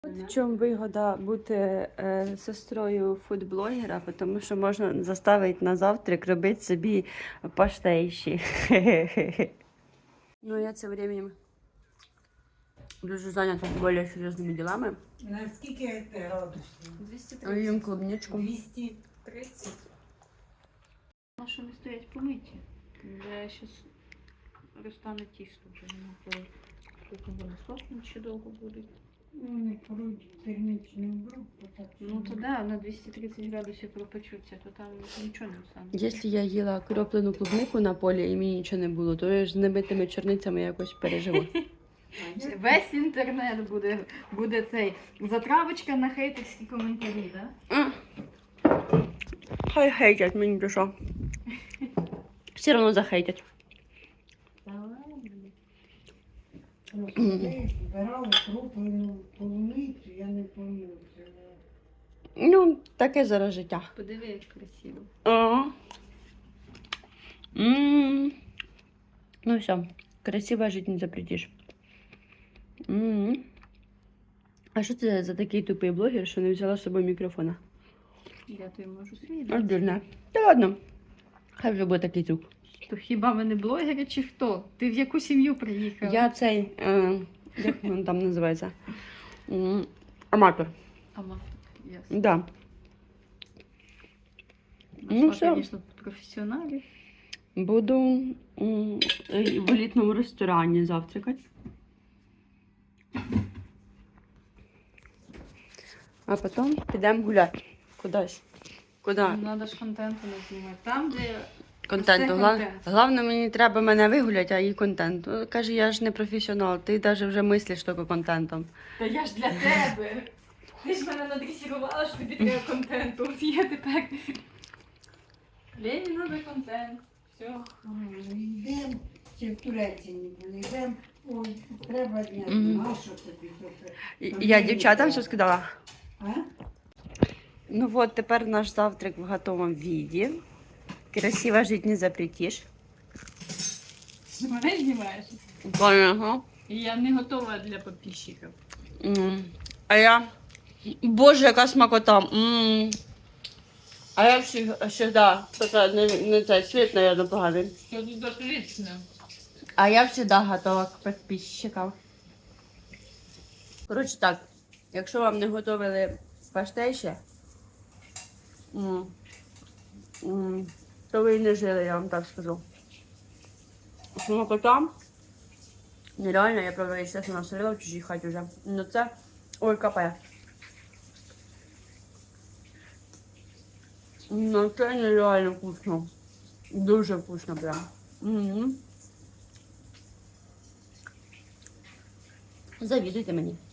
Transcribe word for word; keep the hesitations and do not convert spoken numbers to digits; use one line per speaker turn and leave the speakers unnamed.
От в чому вигода бути е, сестрою фудблогера, тому що можна заставити на завтрак робити собі паштейші. Ну, я цим временем дуже зайнята більш серйозними ділами.
На скільки градусів?
двісті
А їм
тридцять.
клубничку.
двісті.
тридцять. На що не стоять помиті? Вже зараз розтане тісто, вже нема коли. Потім вони сохнуть ще довго будуть.
Ну, не поруть термічну групу. Так
Ну то да, на двісті тридцять градусів пропечуться, то там нічого не стане.
Якщо я їла кроплену клубнику на полі і мені нічого не було, то я ж з небитими чорницями якось переживу.
Весь інтернет буде, буде цей затравочка на хейтерські коментарі, да?
А. Хай хейтять мені, то що. Все одно захейтять.
Та ладно.
Ми збирали кроплену полуницю, я не пам'ятаю.
Ну, таке зараз життя.
Подиви, як красиво.
Ага. М. Ну все, красиво жити не запретиш. М. А що це за такий тупий блогер, що не взяла з собою мікрофона?
Я тобі можу свій.
Ось дурна. Та ладно. Хай вже буде такий звук.
То хіба ми не блогери чи хто? Ти в яку сім'ю приїхав?
Я цей, е, як він там називається? М, Аматор.
Ама, ясно.
Да. Ну,
Ну,
все.
звісно, професіоналі.
Буду м, в елітному ресторані завтракати. А потім підемо гуляти. Кудись. Куди?
Треба ж контенту не знімати. Там, де
Контенту.
Це
Гла...
контент.
Головне, мені треба мене вигуляти, а їй контент. О, каже, я ж не професіонал, ти навіть вже мислиш тільки контентом.
Та я ж для тебе. Ти ж мене надресірувала, що тобі треба контенту. От я тепер. Лені треба контент. Все.
Йдемо, ще в Туреччині були, йдемо, ой, треба дня,
Мгм.
а що тобі тут?
І- Я дівчатам все сказала.
А?
Ну от, тепер наш завтрак в готовому віді. Красиво жити не запретиш.
Ти мене знімаєш?
Конечно.
І я не готова для підписчиків.
М. А я... Боже, яка смакота. М. А я завжди... Така, не, не цей світ, наверное, поганий.
Що тут отлично.
А я завжди готова к підписчикам. Коротше так, якщо вам не готували паштей ще, м, м, то ви і не жили, я вам так скажу. Смакота. Нереально, я правда, естественно, насолила в чужій хаті вже. Ну це, ой, капає. Ну це нереально вкусно. Дуже вкусно прям. Мгм. Завідуйте мені.